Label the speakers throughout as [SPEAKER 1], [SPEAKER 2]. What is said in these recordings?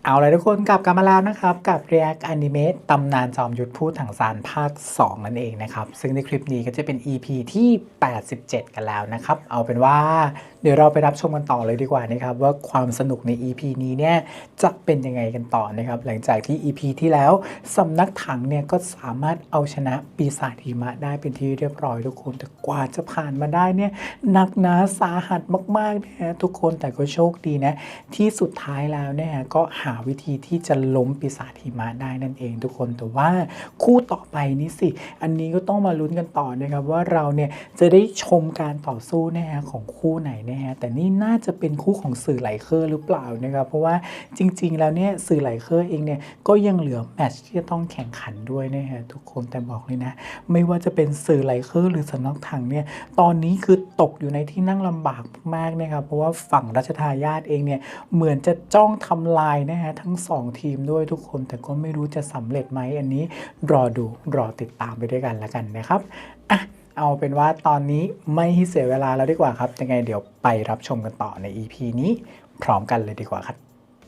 [SPEAKER 1] เอาเลยทุกคนกลับกันมาแล้วนะครับกับ React Anime ตำนานจอมยุทธพูดถังซานภาค 2 นั่นเองนะครับซึ่งในคลิปนี้ก็จะเป็น EP ที่ 87 กันแล้วนะครับเอาเป็นว่าเดี๋ยวเราไปรับชมกันต่อเลยดีกว่านะครับว่าความสนุกใน EP นี้เนี่ยจะเป็นยังไงกันต่อนะครับหลังจากที่ EP ที่แล้วสำนักถังเนี่ยก็สามารถเอาชนะปีศาจหิมะได้เป็นที่เรียบร้อยทุกคนแต่กว่าจะผ่านมาได้เนี่ยหนักหนาสาหัสมากๆนะฮะทุกคนแต่ก็โชคดีนะที่สุดท้ายแล้วเนี่ยก็หาวิธีที่จะล้มปีศาจหิมะได้นั่นเองทุกคนแต่ว่าคู่ต่อไปนี้สิอันนี้ก็ต้องมาลุ้นกันต่อนะครับว่าเราเนี่ยจะได้ชมการต่อสู้นะฮะของคู่ไหนนะฮะแต่นี่น่าจะเป็นคู่ของสื่อไหลเคอร์หรือเปล่านะครับเพราะว่าจริงๆแล้วเนี่ยสื่อไหลเคอร์เองเนี่ยก็ยังเหลือแมตช์ที่จะต้องแข่งขันด้วยนะฮะทุกคนแต่บอกเลยนะไม่ว่าจะเป็นสื่อไหลเคอร์หรือสำนักถังเนี่ยตอนนี้คือตกอยู่ในที่นั่งลำบากมากนะครับเพราะว่าฝั่งรัชทายาทเองเนี่ยเหมือนจะจ้องทำลายนะฮะทั้ง2ทีมด้วยทุกคนแต่ก็ไม่รู้จะสำเร็จไหมอันนี้รอดูรอติดตามไปด้วยกันแล้วกันนะครับอ่ะเอาเป็นว่าตอนนี้ไม่ให้เสียเวลาแล้วดีกว่าครับยังไงเดี๋ยวไปรับชมกันต่อใน EP นี้พร้อมกันเลยดีกว่าครับ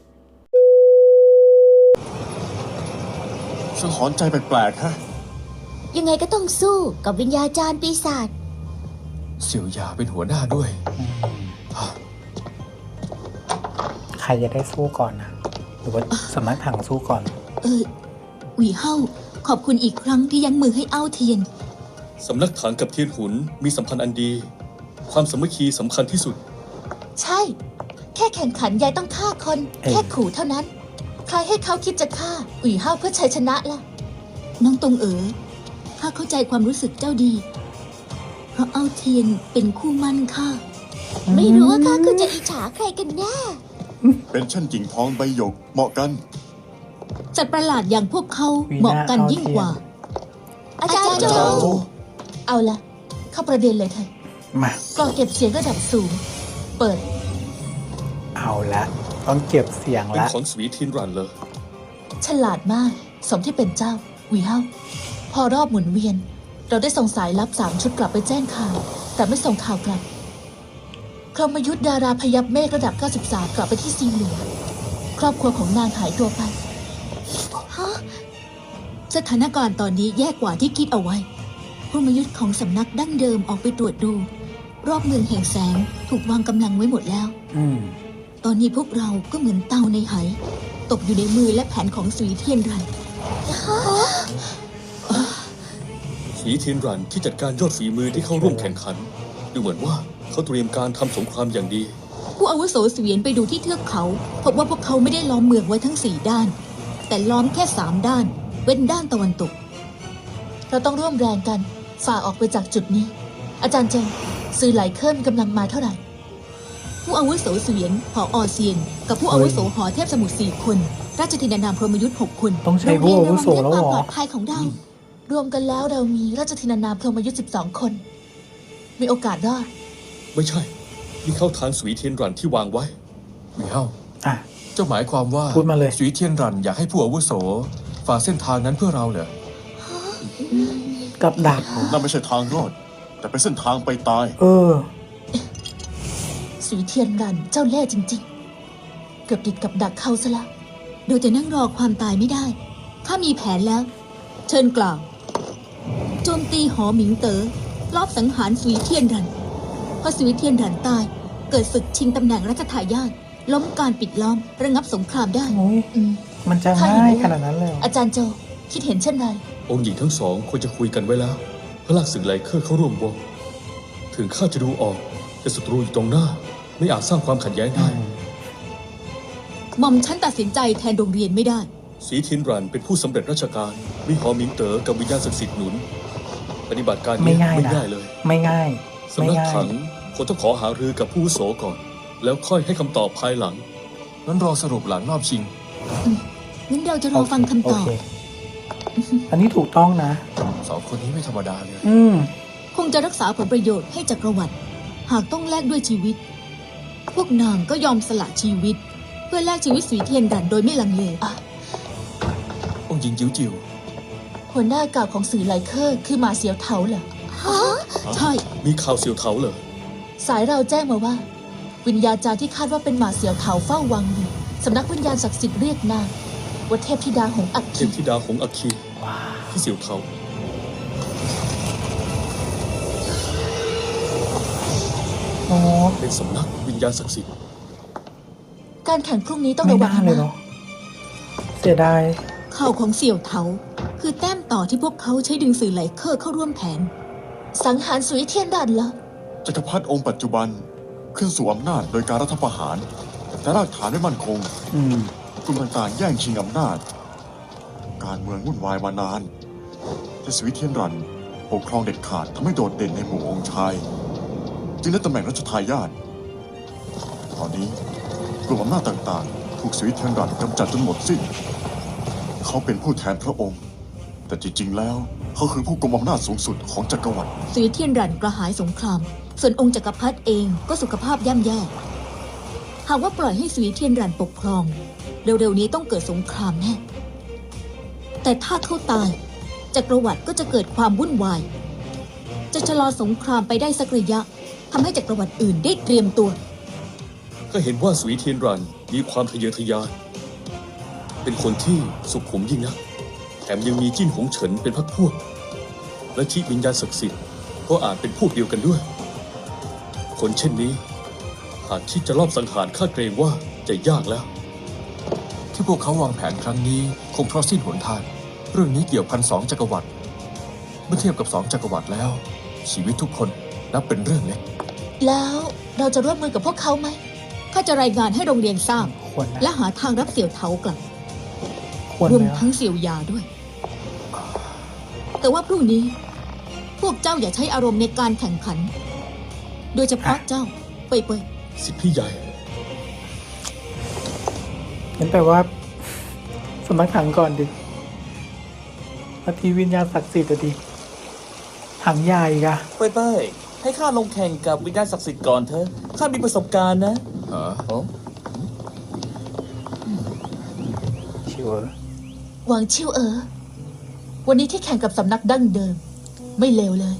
[SPEAKER 2] สังหรณ์ใจแปลกๆฮะ
[SPEAKER 3] ยังไงก็ต้องสู้กับวิญญาจารย์ปีศาจ
[SPEAKER 2] เสี่ยวหยาเป็นหัวหน้าด้วย
[SPEAKER 1] ใครจะได้สู้ก่อนนะหรือว่าสำนักถังสู้ก่อน
[SPEAKER 3] หวีเฮาขอบคุณอีกครั้งที่ยั้งมือให้เอ้าเทียน
[SPEAKER 4] สำนักถังกับเทียนหุนมีสัมพันธ์อันดี ความสามัคคีสำคัญที่สุด
[SPEAKER 3] ใช่ แค่แข่งขันยายต้องฆ่าคน แค่ขู่เท่านั้น ใครให้เขาคิดจะฆ่าหวีเฮาเพื่อชัยชนะล่ะ น้องตงข้าเข้าใจความรู้สึกเจ้าดี เพราะเอ้าเทียนเป็นคู่มั่นข้าไม่รู้ว่าข้าคือจะอิจฉาใครกันแน่
[SPEAKER 2] เป็นชั่นกิ่งทองใบหยกเหมาะกัน
[SPEAKER 3] จัดประหลาดอย่างพวกเขาเหมาะกันยิ่งกว่า อาจารย์โจเอาละเข้าประเด็นเลยเถอะ
[SPEAKER 1] มาก
[SPEAKER 3] ล่องเก็บเสียงระดับสูง เปิด
[SPEAKER 1] เอาละต้องเก็บเสียง
[SPEAKER 4] เป็น
[SPEAKER 1] ละ
[SPEAKER 4] ของสวีทินรันเลย
[SPEAKER 3] ฉลาดมาก สมที่เป็นเจ้าหวีเฮาพอรอบหมุนเวียน เราได้ส่งสายลับ3 ชุดกลับไปแจ้งข่าว แต่ไม่ส่งข่าวกลับพรหมยุทธดาราพยับเมฆระดับ 93 กลับไปที่ซีหลวงครอบครัวของนางหายตัวไปสถานการณ์ตอนนี้แย่กว่าที่คิดเอาไว้พรหมยุทธของสำนักดั้งเดิมออกไปตรวจดู รอบเมืองแห่งแสงถูกวางกำลังไว้หมดแล้ว ตอนนี้พวกเราก็เหมือนเต่าในไหตกอยู่ในมือและแผนของสุยเทียนรัน
[SPEAKER 4] สวีทินรันที่จัดการยอดฝีมือที่เข้าร่วมแข่งขัน ดูเหมือนว่าเขาเตรียมการทำสงครามอย่างดี
[SPEAKER 3] ผู้อาวุโสเสวียนไปดูที่เทือกเขาพบว่าพวกเขาไม่ได้ล้อมเมืองไว้ทั้ง4 ด้าน แต่ล้อมแค่3 ด้าน เว้นด้านตะวันตก เราต้องร่วมแรงกันฝ่าออกไปจากจุดนี้ อาจารย์เจงสื่อไหลเคลื่อนกำลังมาเท่าไหร่ ผู้อาวุโสเสวียนหออเซียน กับผู้อาวุโสหอเทพสมุทร4 คน ราชธินานามพรหมยุทธ์6 คน
[SPEAKER 1] ต้องใช้ผู้อาวุโสแล้วเหรอ
[SPEAKER 3] โรงเรียนระวังเรื่องความปลอดภัยของเรารวมกันแล้วเรามีราชธินานามพรหมยุทธ์12 คน มีโอกาสรอด
[SPEAKER 4] ไม่ใช่นี่เข้าทางสวีทินรันที่วางไว้
[SPEAKER 2] หวีเฮา
[SPEAKER 1] อ่ะ
[SPEAKER 2] เจ้าหมายความว่า
[SPEAKER 1] พูดมาเลย
[SPEAKER 2] สุยเทียนรันอยากให้ผู้อาวุโสฝ่าเส้นทางนั้นเพื่อเราเหรอ
[SPEAKER 1] กับดัก
[SPEAKER 2] นั่นไม่ใช่ทางรอด แต่เป็นเส้นทางไปตาย
[SPEAKER 3] สีเทียนรันเจ้าเล่ห์จริงๆ เกือบติดกับดักเขาซะแล้วโดยจะนั่งรอความตายไม่ได้ข้ามีแผนแล้ว เชิญกล่าวโจมตีหอหมิงเต๋อลอบสังหารสุยเทียนรันพอสุยเทียนรันตายเกิดศึกชิงตำแหน่งรัชทายาทล้มการปิดล้อมระงับสงครามได้
[SPEAKER 1] โอ้ย
[SPEAKER 3] อืม
[SPEAKER 1] มันจะง่ายขนาดนั้นเลยเหรอ
[SPEAKER 3] อาจารย์โจคิดเห็นเช่นไร
[SPEAKER 4] องค์หญิงทั้งสองควรจะคุยกันไว้แล้วเพื่อลากสื่อไหลเคอร์เข้าร่วมวงถึงข้าจะดูออกแต่ศัตรูอยู่ตรงหน้า ไม่อาจสร้างความขัดแย้งได้
[SPEAKER 3] หม่อมฉันตัดสินใจแทนโรงเรียนไม่ได้
[SPEAKER 4] สวีทินรันเป็นผู้สำเร็จราชการมีหอมิงเต๋อกับวิญญาณศักดิ์สิทธิ์หนุน ปฏิบัติการ
[SPEAKER 1] ไม่
[SPEAKER 4] นี้
[SPEAKER 1] ง่าย
[SPEAKER 4] ไม่
[SPEAKER 1] นะ
[SPEAKER 4] ง่ายเลย
[SPEAKER 1] ไม่ง่าย
[SPEAKER 4] สำนักถังควรต้องขอหารือกับผู้อาวุโสก่อน แล้วค่อยให้คำตอบภายหลัง
[SPEAKER 2] นั้นรอสรุปหลังรอบชิง
[SPEAKER 3] งั้นเราจะรอฟังคำตอบ
[SPEAKER 1] โเคอันนี้ถูกต้องนะ
[SPEAKER 2] 2 คนนี้ไม่ธรรมดาเลย
[SPEAKER 3] คงจะรักษาผลประโยชน์ให้จักรวรรดิหากต้องแลกด้วยชีวิต พวกนางก็ยอมสละชีวิต เพื่อแลกชีวิตสุยเทียนรันโดยไม่ลังเล
[SPEAKER 2] องค์หญิงจิ๋วจิ๋ว
[SPEAKER 3] หัวหน้าเก่าของสื่อไลเคอร์คือหมาเสียวเถาเหรอใช่
[SPEAKER 4] มีข่าวเสียวเถาเหรอ
[SPEAKER 3] สายเราแจ้งมาว่า วิญญาจารย์ที่คาดว่าเป็นหมาเสียวเถาเฝ้าวังอยู่สำนักวิญญาณศักดิ์สิทธิ์เรียกนางว่าเทพธิดาหงส์อัค
[SPEAKER 4] เท
[SPEAKER 3] คี
[SPEAKER 4] พธิดาของอัคคี
[SPEAKER 1] ว้าว
[SPEAKER 4] ที่เสี่ยวเทา
[SPEAKER 1] อ๋อ
[SPEAKER 4] เป็นสำนักวิญญาณศักดิ์สิทธิ์
[SPEAKER 3] การแข่งพรุ่งนี้ต้อง
[SPEAKER 1] ไม่
[SPEAKER 3] ระวัง
[SPEAKER 1] น่าเลย
[SPEAKER 3] นะ
[SPEAKER 1] เนาะเสียดาย
[SPEAKER 3] ข่าวของเสี่ยวเถาคือแต้มต่อที่พวกเขาใช้ดึงสื่อไหลเคอร์เข้าร่วมแผน สังหารสุยเทียนดันเหรอ
[SPEAKER 5] จักรพรรดิองค์ปัจจุบันขึ้นสู่อำนาจโดยการรัฐประหาร แต่รากฐานไม่มั่นคง
[SPEAKER 1] อืม
[SPEAKER 5] กลุ่มต่างๆแย่งชิงอำนาจ การเมืองวุ่นวายมานานแต่สวิตเทียนรันปกครองเด็ดขาดทำให้โดดเด่นในหมู่องค์ชาย จึงได้ตำแหน่งรัชทายาทตอนนี้กลุ่มอำนาจต่างๆ ถูกสวิตเทียนรันกำจัดจนหมดสิ้น เขาเป็นผู้แทนพระองค์ แต่จริงๆแล้วเขาคือผู้กุมอำนาจสูงสุดของจักรวรรดิ
[SPEAKER 3] สุยเทียนดันกระหายสงคราม ส่วนองค์จักรพรรดิเองก็สุขภาพย่ำแย่ หากว่าปล่อยให้สุยเทียนรันปกครอง เร็วๆนี้ต้องเกิดสงครามแน่ แต่ถ้าเขาตายจักรวรรดิก็จะเกิดความวุ่นวาย จะชะลอสงครามไปได้สักระยะทำให้จักรวรรดิอื่นได้เตรียมตัว
[SPEAKER 4] ก็เห็นว่าสุยเทียนรันมีความทะเยอทะยาน เป็นคนที่สุขุมยิ่งนัก แถมยังมีจิ้นหงเฉินเป็นพรรคพวก และชีวิญญาณศักดิ์สิทธิ์ก็อาจเป็นพวกเดียวกันด้วย คนเช่นนี้ หากคิดจะลอบสังหารข้าเกรงว่าจะยากแล้ว
[SPEAKER 2] ที่พวกเขาวางแผนครั้งนี้คงเพราะสิ้นหนทาง เรื่องนี้เกี่ยวพัน2 จักรวรรดิเมื่อเทียบกับ2 จักรวรรดิแล้ว ชีวิตทุกคนนับเป็นเรื่องเล็ก
[SPEAKER 3] แล้วเราจะร่วมมือกับพวกเขาไหมข้าจะรายงานให้โรงเรียนทราบ
[SPEAKER 1] ควรนะ
[SPEAKER 3] และหาทางรับเสี่ยวเถากลับ
[SPEAKER 1] ควร
[SPEAKER 3] รวม
[SPEAKER 1] ไหม
[SPEAKER 3] ทั้งเสี่ยวยาด้วย แต่ว่าพรุ่งนี้ พวกเจ้าอย่าใช้อารมณ์ในการแข่งขัน โดยเฉพาะเจ้าเปยเปย
[SPEAKER 4] สิทธิพี่ใหญ่
[SPEAKER 1] งั้นแปลว่าสำนักถังก่อนดินาทีวิญญาณศักดิ์สิทธิ์อะดิถังใหญ่อีกอะ
[SPEAKER 6] เป้ยให้ข้าลงแข่งกับวิญญาณศักดิ์สิทธิ์ก่อนเถอะ ข้ามีประสบการณ์นะ
[SPEAKER 2] ฮะ
[SPEAKER 6] โอ้
[SPEAKER 1] ชิวเออ
[SPEAKER 3] หวังชิววันนี้ที่แข่งกับสำนักดั้งเดิม ไม่เลวเลย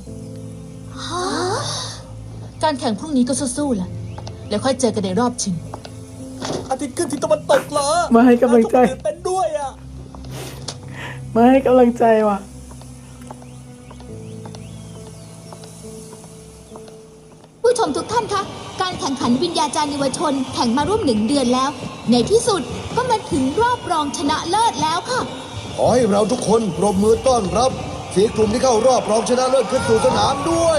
[SPEAKER 3] การแข่งพรุ่งนี้ก็สู้ๆล่ะ แล้วค่อยเจอกันในรอบชิง
[SPEAKER 6] อาทิตย์ขึ้นที่ตะวันตกเหรอ
[SPEAKER 1] มาให้กำลังใจ
[SPEAKER 6] ตื่นเต้นด้วยอ่ะ
[SPEAKER 1] มาให้กำลังใจว่ะ
[SPEAKER 3] ผู้ชมทุกท่านคะ การแข่งขันวิญญาจารย์เยาวชนแข่งมาร่วม1 เดือนแล้ว ในที่สุดก็มาถึงรอบรองชนะเลิศแล้วค่ะ
[SPEAKER 7] ขอให้เราทุกคนปรบมือต้อนรับสี่กลุ่มที่เข้ารอบรองชนะเลิศขึ้นสู่สนามด้วย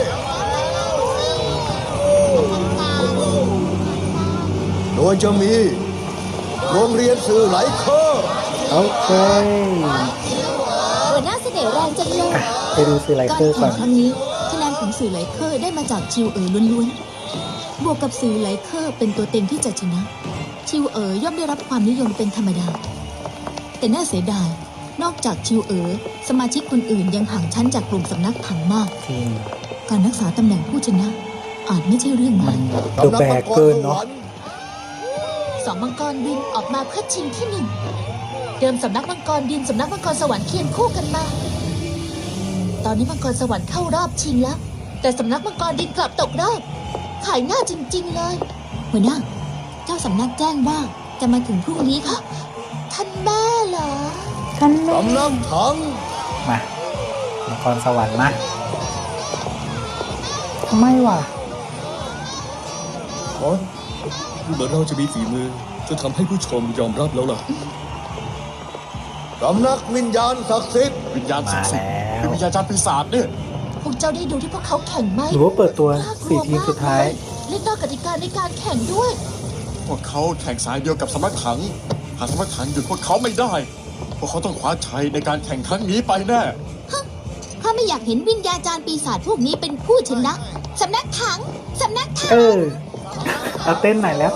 [SPEAKER 7] โดยจะมีโรงเรียนสื่อไหลเคอร์
[SPEAKER 1] โอเค
[SPEAKER 3] หัวหน้าเสน่ห์แรงจังเลย
[SPEAKER 1] ไปดูสื่อไล
[SPEAKER 3] การ
[SPEAKER 1] เคอร์ก่
[SPEAKER 3] แข่
[SPEAKER 1] อง น
[SPEAKER 3] ครั้งนี้คะแนนของสื่อไหลเคอร์ได้มาจากชิวล้วนๆ บวกกับสื่อไหลเคอร์เป็นตัวเต็งที่จะชนะ ชิวย่อมได้รับความนิยมเป็นธรรมดา แต่น่าเสียดาย นอกจากชิวสมาชิกคนอื่นยังห่างชั้นจากกลุ่มสำนักถังมาก
[SPEAKER 1] จริง
[SPEAKER 3] การรักษาตำแหน่งผู้ชนะ อาจไม่ใช่เรื่อง
[SPEAKER 1] มั
[SPEAKER 3] ง่าน ย
[SPEAKER 1] ดูแบกเกินเนาะ
[SPEAKER 3] สองมังกรดินออกมาเพื่อชิงที่หนึ่งเดิมสำนักมังกรดินสำนักมังกรสวรรค์เคียงคู่กันมา ตอนนี้มังกรสวรรค์เข้ารอบชิงแล้ว แต่สำนักมังกรดินกลับตกรอบ ขายหน้าจริงๆเลยหัวหน้าเจ้าสำนักแจ้งว่าจะมาถึงพรุ่งนี้ค่ะ ท่านแม่เหรอ
[SPEAKER 1] ท่านแม่
[SPEAKER 7] สำนักถัง
[SPEAKER 1] มามังกรสวรรค์มาทำไมวะ
[SPEAKER 4] อ๋อดูเหมือนเราจะมีฝีมือจนทำให้ผู้ชมยอมรับแล้วล่ะ
[SPEAKER 7] สำนักวิญญาณศักดิ์สิทธิ์
[SPEAKER 5] วิญญาณศั
[SPEAKER 1] มาก
[SPEAKER 5] ดิ์สิทธิ์
[SPEAKER 1] แล้ว
[SPEAKER 5] เป็นวิญญาณจารย์ปีศาจเนี่ย
[SPEAKER 3] พวกเจ้าได้ดูที่พวกเขาแข่งไหม
[SPEAKER 1] หรือว่าเปิดตัว
[SPEAKER 3] น่ากลัว
[SPEAKER 1] 4 ทีมสุดท้าย
[SPEAKER 3] มกเลยเล่นนอกกติกาในการแข่งด้วย
[SPEAKER 5] พวกเขาแข่งสายเดียวกับสำนักถัง หากสำนักถังหยุดพวกเขาไม่ได้ พวกเขาต้องคว้าชัยในการแข่งครั้งนี้ไปแน่
[SPEAKER 3] ข้าไม่อยากเห็นวิญญาจารย์ปีศาจพวกนี้เป็นผู้ชนะสำนักถังสำนักถัง
[SPEAKER 1] เออเอาเต้นไหนอยแล้ว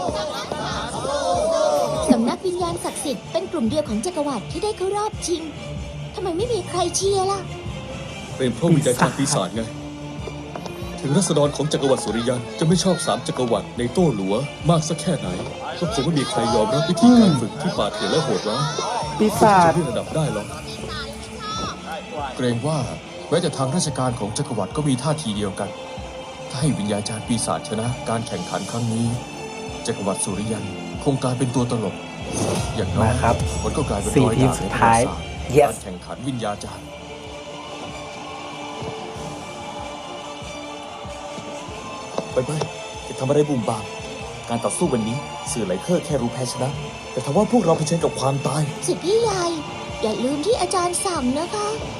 [SPEAKER 3] สำนักวิญญาณศักดิ์สิทธิ์เป็นกลุ่มเดียวของจักรวรรดิที่ได้เข้ารอบชิงทำไมไม่มีใครเชียร์ล่ะ
[SPEAKER 4] เป็นเพราะวิญญาณจารย์ปีศาจไง ถึงรัษฎรของจักรวรรดิสุริยันจะไม่ชอบ3 จักรวรรดิในโต้หลัวมากสักแค่ไหน ก็คงไม่มีใครยอมรับวิธีการฝึกที่ป่าเถื่อนและโหดร้าย
[SPEAKER 1] ปีศาจ
[SPEAKER 4] จะเลื่อนระดับได้หรอก
[SPEAKER 2] เกรงว่าแม้แต่ทางราชการของจักรวรรดิก็มีท่าทีเดียวกัน ถ้าให้วิญญาจารย์ปีศาจชนะการแข่งขันครั้งนี้จักรวรรดิสุริยันคงกลายเป็นตัวตลก อย่างน้อย
[SPEAKER 1] มาครับ
[SPEAKER 2] มันก็กลายเป็น
[SPEAKER 1] สี่
[SPEAKER 2] รอย
[SPEAKER 1] ทีม
[SPEAKER 2] ด่าง
[SPEAKER 1] สุ
[SPEAKER 2] ใน
[SPEAKER 1] ด
[SPEAKER 2] ประ
[SPEAKER 1] ท้า
[SPEAKER 2] วั
[SPEAKER 1] ย
[SPEAKER 2] ติศาสตร์
[SPEAKER 1] Yes
[SPEAKER 2] การแข่งขันวิญญาจารย์
[SPEAKER 6] ไปจะทำอะไรบุ่มบามการต่อสู้วันนี้สื่อไหลเคอร์แค่รู้แพ้ชนะ แต่ทว่าพวกเราเผชิญกับความตาย
[SPEAKER 3] สิทธิ์พี่ใหญ่อย่าลืมที่อาจารย์สั่งนะคะ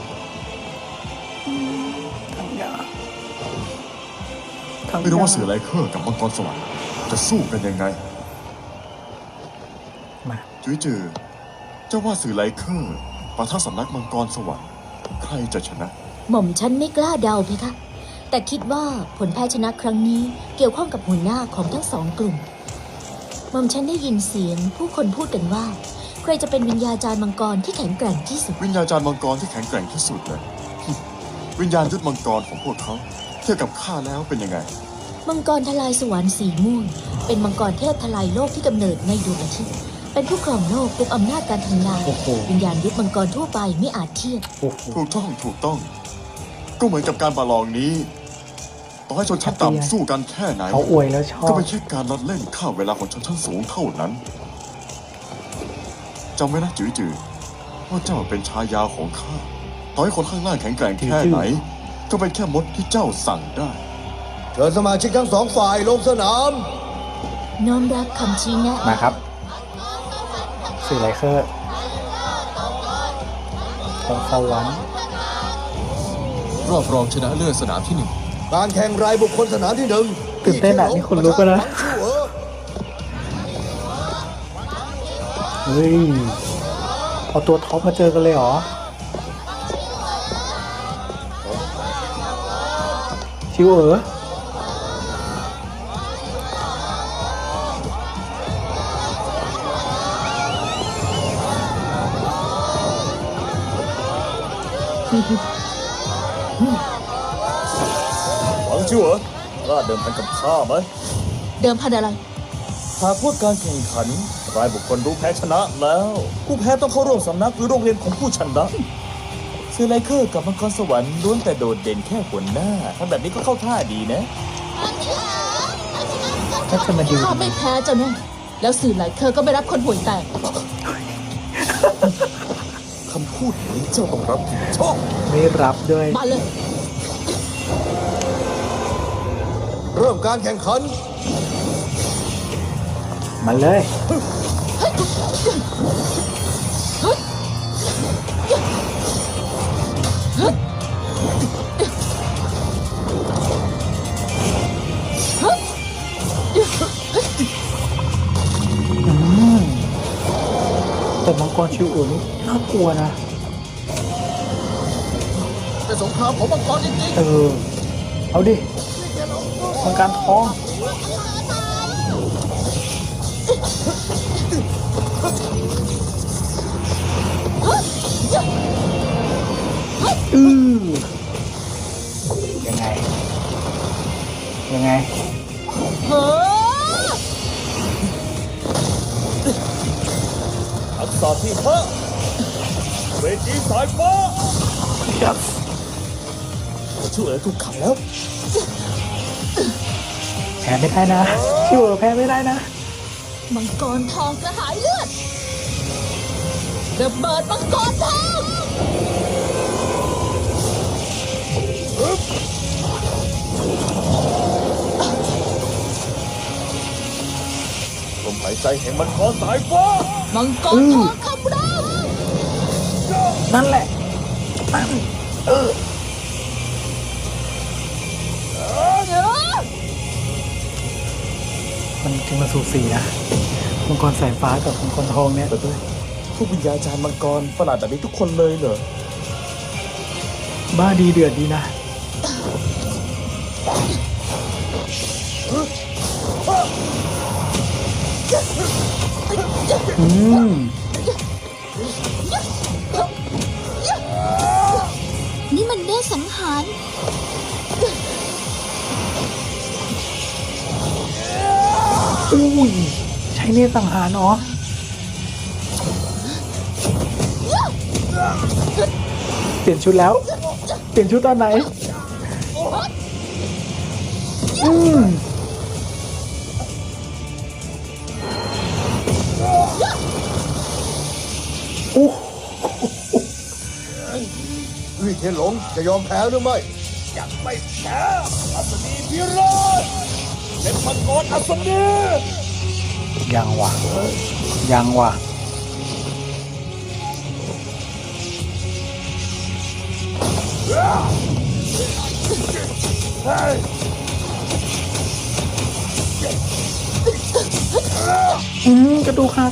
[SPEAKER 5] ไม่รู้ว่าเสือไลเคอร์กับมังกรสวรรค์จะสู้กันยังไง
[SPEAKER 1] มา
[SPEAKER 5] จุ้ยจือเจ้าว่าเสือไลเคอร์ปะทะสำนักมังกรสวรรค์ใครจะชนะ
[SPEAKER 3] หม่อมฉันไม่กล้าเดาเพคะ แต่คิดว่าผลแพ้ชนะครั้งนี้เกี่ยวข้องกับหัวหน้าของทั้งสองกลุ่ม หม่อมฉันได้ยินเสียงผู้คนพูดกันว่า ใครจะเป็นวิญญาจารย์มังกรที่แข็งแกร่งที่สุด
[SPEAKER 5] วิญญาจารย์มังกรที่แข็งแกร่งที่สุดเลย วิญญาณยุทธมังกรของพวกเขาเทียบกับข้าแล้วเป็นยังไง
[SPEAKER 3] มังกรทลายสวรรค์สีม่วง เป็นมังกรเทพทลายโลกที่กำเนิดในดวงอาทิตย์ เป็นผู้ครองโลกกุมอำนาจการทำลาย
[SPEAKER 1] โอ้โห
[SPEAKER 3] วิญญาณยุทธมังกรทั่วไปไม่อาจเทียบ
[SPEAKER 1] โอ้โห
[SPEAKER 5] ถูกต้อง ก็เหมือนกับการประลองนี้ ต่อให้ชนชั้นต่ำสู้กันแค่ไหน
[SPEAKER 1] เขาอวยแล้วชอ
[SPEAKER 5] ก็
[SPEAKER 1] บ
[SPEAKER 5] ไม่ใช่การลัดเล่นข้ามเวลาของชนชั้นสูงเท่านั้นจำไว้นะจือจือว่าเจ้าเป็นชายาของข้าต่อให้คนข้างล่างแข็งแกร่งแค่ไหน ก็เป็นแค่มดที่เจ้าสั่งได้
[SPEAKER 7] เชิญสมาชิกทั้งสองฝ่ายลงสนาม
[SPEAKER 3] น้อมรับคำชี้แนะ
[SPEAKER 1] มาครับสื่อไลเคอร์ของสวรรค์
[SPEAKER 2] รอบรองชนะเลิศสนามที่หนึ่ง
[SPEAKER 7] การแข่งรายบุคคลสนามที่หนึ่ง
[SPEAKER 1] ตื่นเต้นอ่ะนี่คนลุกแล้วนะ เฮ้ย เอาตัวท็อปมาเจอกันเลยเหรอ ชิวเอ๋อ
[SPEAKER 6] หวังชิวเหรอกล้าเดิมพันกับข้าไหม
[SPEAKER 3] เดิมพันอะไร
[SPEAKER 6] หากพวกการแข่งขัน รายบุคคลรู้แพ้ชนะแล้ว ผู้แพ้ต้องเข้าร่วมสำนักหรือโรงเรียนของผู้ชนะเซอร์ไลเคอร์กับมังกรสวรรค์ล้วนแต่โดดเด่นแค่หัวหน้าทำแบบนี้ก็เข้าท่าดีนะ
[SPEAKER 1] ก็จะมาดู
[SPEAKER 3] ข้าไม่แพ้เจ้าแน่แล้วสื่อหลายเคอร์ก็ไม่รับคนห่วยแตก
[SPEAKER 6] คำพูดนี้เจ้าต้องรับผิดชอบ
[SPEAKER 1] ไม่รับด้วย
[SPEAKER 3] มาเลย
[SPEAKER 7] เริ่มการแข่งขัน
[SPEAKER 1] มาเลย แต่มังกรชิวเอ๋อนี่น่ากลัวนะ
[SPEAKER 6] เป็นสงครามของมังกรจริง
[SPEAKER 1] เออ เอาดิมังการทอง อือยังไง ยังไง
[SPEAKER 3] เฮ้อ
[SPEAKER 6] ๆทักษะที่ห้าเวทีสายฟ้า
[SPEAKER 1] yes
[SPEAKER 6] ชิวเหรอถูกขังแล้ว
[SPEAKER 1] แพ้ไม่ได้นะ ชิวเอ๋อแพ้ไม่ได้นะ
[SPEAKER 3] มังกรทองกระหายเลือดระเบิดมังกรทอง
[SPEAKER 6] ลมหายใจแห่งมังกรสายฟ้า
[SPEAKER 3] มังกรทองคำราม
[SPEAKER 1] นั่นแหละนั่น
[SPEAKER 3] เออ
[SPEAKER 1] มันจริงมาสูสีนะ มังกรสายฟ้ากับมังกรทองเนี่ย
[SPEAKER 6] ไปด้วยพวกวิญญาจารย์มังกรประหลาดแบบนี้ทุกคนเลยเหรอ
[SPEAKER 1] บ้าดีเดือดดีนะ อืม
[SPEAKER 3] นี่มันเนตรสังหาร
[SPEAKER 1] อุ้ย ใช้เนตรสังหารเนาะเปลี่ยนชุดแล้ว เปลี่ยนชุดตอนไหน อืมโอ้
[SPEAKER 7] วิเทียนหลงจะยอมแพ้หรือไม่
[SPEAKER 6] ยังไม่แพ้อัศนีพิโรธเป็นมังกรอัศนี
[SPEAKER 1] ยังวะยังวะกระดูกหัก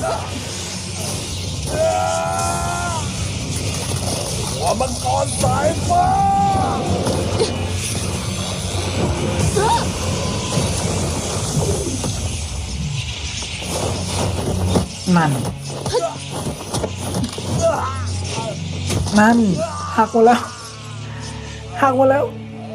[SPEAKER 6] หัวมังกรสายฟ้า
[SPEAKER 1] นั่น นั่นหักหมดแล้วหักหมดแล้ว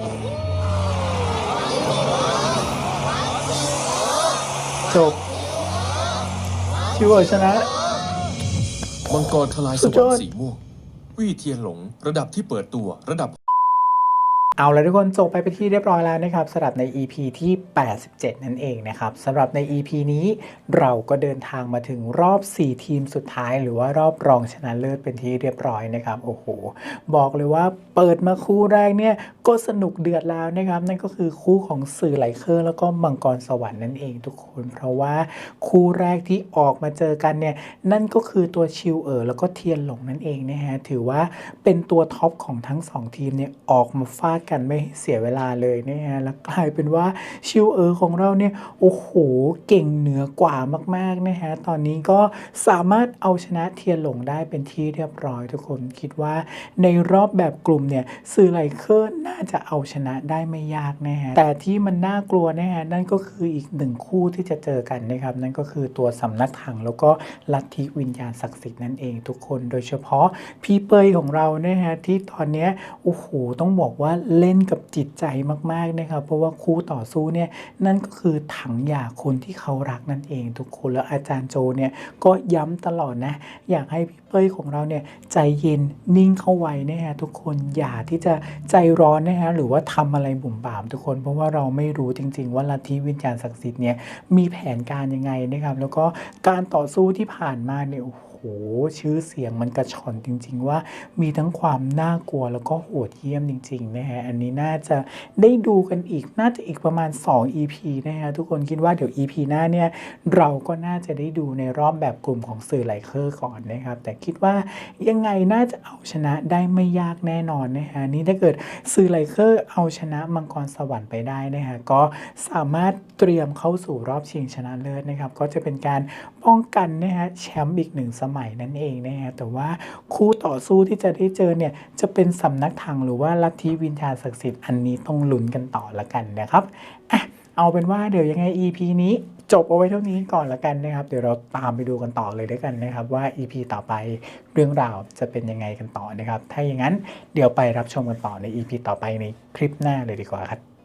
[SPEAKER 1] จบชิวเอ๋อชนะ
[SPEAKER 2] มังกรทลายส
[SPEAKER 1] สุดยว
[SPEAKER 2] ร
[SPEAKER 1] อ
[SPEAKER 2] ร
[SPEAKER 1] ด
[SPEAKER 2] ค์สีม่วง วี่เทียนหลง ระดับที่เปิดตัวระดับ
[SPEAKER 1] เอาละทุกคนจบไปเป็นที่เรียบร้อยแล้วนะครับสำหรับใน EP ที่ 87 นั่นเองนะครับสำหรับใน EP นี้เราก็เดินทางมาถึงรอบ 4 ทีมสุดท้ายหรือว่ารอบรองชนะเลิศเป็นที่เรียบร้อยนะครับโอ้โหบอกเลยว่าเปิดมาคู่แรกเนี่ยก็สนุกเดือดแล้วนะครับนั่นก็คือคู่ของสื่อไหลเคอร์แล้วก็มังกรสวรรค์นั่นเองทุกคนเพราะว่าคู่แรกที่ออกมาเจอกันเนี่ยนั่นก็คือตัวชิวแล้วก็เทียนหลงนั่นเองนะฮะถือว่าเป็นตัวท็อปของทั้ง2ทีมเนี่ยออกมาฟาดกันไม่เสียเวลาเลยนะฮะแล้วกลายเป็นว่าชิวของเราเนี่ยโอ้โหเก่งเหนือกว่ามากๆนะฮะตอนนี้ก็สามารถเอาชนะเทียนหลงได้เป็นที่เรียบร้อยทุกคนคิดว่าในรอบแบบกลุ่มเนี่ยสื่อไลเคอร์น่าจะเอาชนะได้ไม่ยากนะฮะแต่ที่มันน่ากลัวนะฮะนั่นก็คืออีกหนึ่งคู่ที่จะเจอกันนะครับนั่นก็คือตัวสำนักถังแล้วก็ลัทธิวิญญาณศักดิ์สิทธิ์นั่นเองทุกคนโดยเฉพาะพี่เปยของเรานะฮะที่ตอนเนี้ยโอ้โหต้องบอกว่าเล่นกับจิตใจมากๆนะครับเพราะว่าคู่ต่อสู้เนี่ยนั่นก็คือถังหย่าคนที่เขารักนั่นเองทุกคนแล้วอาจารย์โจเนี่ยก็ย้ำตลอดนะอยากให้พี่เป้ยของเราเนี่ยใจเย็นนิ่งเข้าไว้นะฮะทุกคนอย่าที่จะใจร้อนนะฮะหรือว่าทำอะไรบุ่มบ่ามทุกคนเพราะว่าเราไม่รู้จริงๆว่าลัทธิวิญญาณศักดิ์สิทธิ์เนี่ยมีแผนการยังไงนะครับแล้วก็การต่อสู้ที่ผ่านมาเนี่ยโอ้โหชื่อเสียงมันกระชอนจริงๆว่ามีทั้งความน่ากลัวแล้วก็โหดเหี้ยมจริงๆนะฮะอันนี้น่าจะได้ดูกันอีกน่าจะอีกประมาณ2 EP นะฮะทุกคนคิดว่าเดี๋ยว EP หน้าเนี่ยเราก็น่าจะได้ดูในรอบแบบกลุ่มของสื่อไลเคอร์ก่อนนะครับแต่คิดว่ายังไงน่าจะเอาชนะได้ไม่ยากแน่นอนนะฮะนี่ถ้าเกิดสื่อไลเคอร์เอาชนะมังกรสวรรค์ไปได้นะฮะก็สามารถเตรียมเข้าสู่รอบชิงชนะเลิศนะครับก็จะเป็นการป้องกันนะฮะแชมป์อีก1 สมัยนั่นเองนะฮะแต่ว่าคู่ต่อสู้ที่จะได้เจอเนี่ยจะเป็นสำนักถังหรือว่าลัทธิวิญญาณศักดิ์สิทธิ์อันนี้ต้องลุ้นกันต่อละกันนะครับอ่ะเอาเป็นว่าเดี๋ยวยังไง EP นี้จบเอาไว้เท่านี้ก่อนละกันนะครับเดี๋ยวเราตามไปดูกันต่อเลยด้วยกันนะครับว่า EP ต่อไปเรื่องราวจะเป็นยังไงกันต่อนะครับถ้าอย่างนั้นเดี๋ยวไปรับชมกันต่อใน EP ต่อไปในคลิปหน้าเลยดีกว่าครับ